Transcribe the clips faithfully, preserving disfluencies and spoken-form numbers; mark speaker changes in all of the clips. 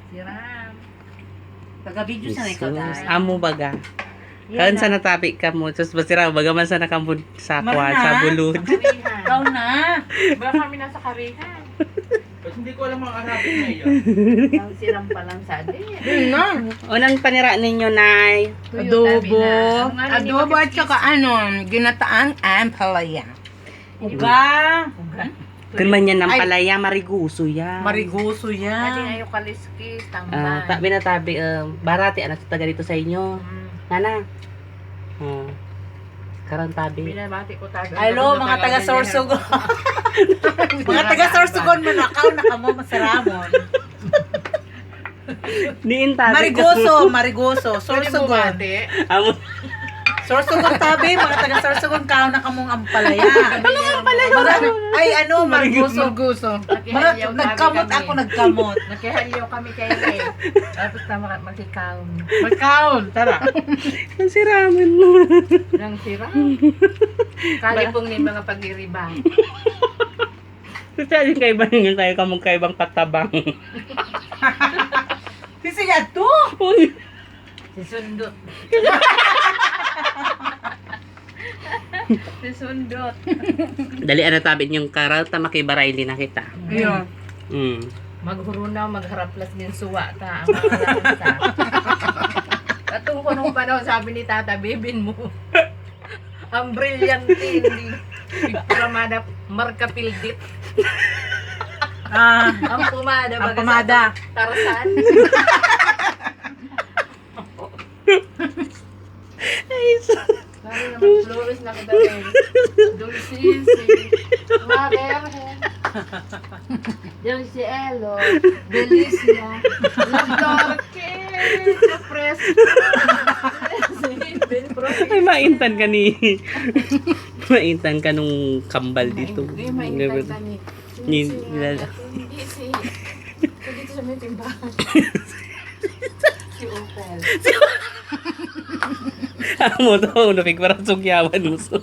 Speaker 1: Siram. Taga-video sa ikaw
Speaker 2: Jesus.
Speaker 1: dahil.
Speaker 2: Amo baga. Karon sa natapi ka mo. Sus basira baga man sa nakambud sa kwa sa bulod.
Speaker 1: Ikaw na.
Speaker 3: Baka kami nasa karihan.
Speaker 4: Ba't hindi ko alam ang Arabic na iyan?
Speaker 1: Ang siram pa lang sa atin.
Speaker 3: Yun na.
Speaker 2: Unang panira ninyo, Nay.
Speaker 3: Adobo.
Speaker 1: Ano,
Speaker 3: Adobo at saka ano, ginataang ampalaya. Uga.
Speaker 2: Kun man yan ng
Speaker 3: Ay.
Speaker 2: palaya, mariguso yan.
Speaker 3: Mariguso
Speaker 1: Ating
Speaker 3: yan.
Speaker 1: ayaw kaliskis,
Speaker 2: Ah,
Speaker 1: tambay.
Speaker 2: tabi na tabi, um, barati, anak taga dito sa inyo.
Speaker 1: Mm.
Speaker 2: Nana. Hmm. Karon tabi.
Speaker 1: Binabati ko taga.
Speaker 3: Hello, mga taga Sorsogon. Mga taga Sorsogon manakaw na kamo masaramon.
Speaker 2: Diin tabi.
Speaker 3: Marigoso, Marigoso,
Speaker 1: Pwede
Speaker 3: Sorsogon.
Speaker 1: bumati.
Speaker 2: Amo.
Speaker 3: Sorsogon tabi, mga taga Sorsogon kao na kamong ampalaya.
Speaker 1: Anong pala
Speaker 3: Mga, ay ano, Marigoso.
Speaker 1: Marguso.
Speaker 3: Mga, nagkamot ako, nagkamot.
Speaker 1: Nakihalyo kami kay Ray. Tapos na mak- makikaon.
Speaker 3: Magkaon, tara.
Speaker 2: Ang siraman mo.
Speaker 1: Nang sira. Kalipong ni mga pag-iriba.
Speaker 2: Kasi alin kayo ba yung tayo kamong kaibang patabang?
Speaker 3: Sisiya to.
Speaker 2: Uy.
Speaker 1: Si Sundot. Si Sundot.
Speaker 2: Dali ana tabi yung karata makibaray din na kita.
Speaker 3: Ayun.
Speaker 2: Mm.
Speaker 1: Maghurunaw, magharaplas ng suwa ta. Ang mga lansa. Katong ko nung panahon, sabi ni Tata, bibin mo. Ang brilyante, hindi. Pramada, marka pildit.
Speaker 3: Ah,
Speaker 1: Ang pumada,
Speaker 3: ang
Speaker 1: baga
Speaker 3: pamada.
Speaker 1: sa Tarzan.
Speaker 2: Ay, so,
Speaker 1: Sabi naman, Flores na kita rin. Dulcisi. Marer. Dulcielo. Delicia. Lagdorke. Kapres.
Speaker 2: ay maintan ka ni. maintan ka nung kambal dito.
Speaker 1: Hindi, maintay ka ni.
Speaker 2: Ni-
Speaker 1: Hindi
Speaker 2: nilala-
Speaker 1: Hindi si... Dito sa may timbahan. Si Opel.
Speaker 2: Amo to, napig parang sugyawan mo. So.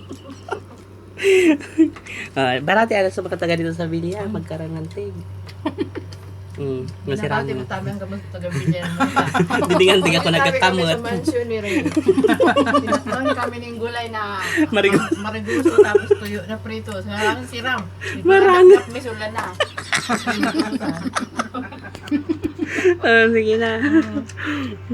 Speaker 2: Ah, barati ala sa mga taga dito sa Bilya, magkarangantig. Hmm, masira
Speaker 1: Nakati mo
Speaker 2: mo.
Speaker 1: tabi ang gamot sa gabi niya.
Speaker 2: Didingan-ding ako
Speaker 1: Sabi
Speaker 2: nagkakamot.
Speaker 1: kami sa mansion ni Ray. Tinatawin kami ng gulay na
Speaker 2: Marigo-
Speaker 1: mariguso tapos tuyo na prito. So, ang siram.
Speaker 2: Marami.
Speaker 1: May sula na.
Speaker 2: Ah, sige na.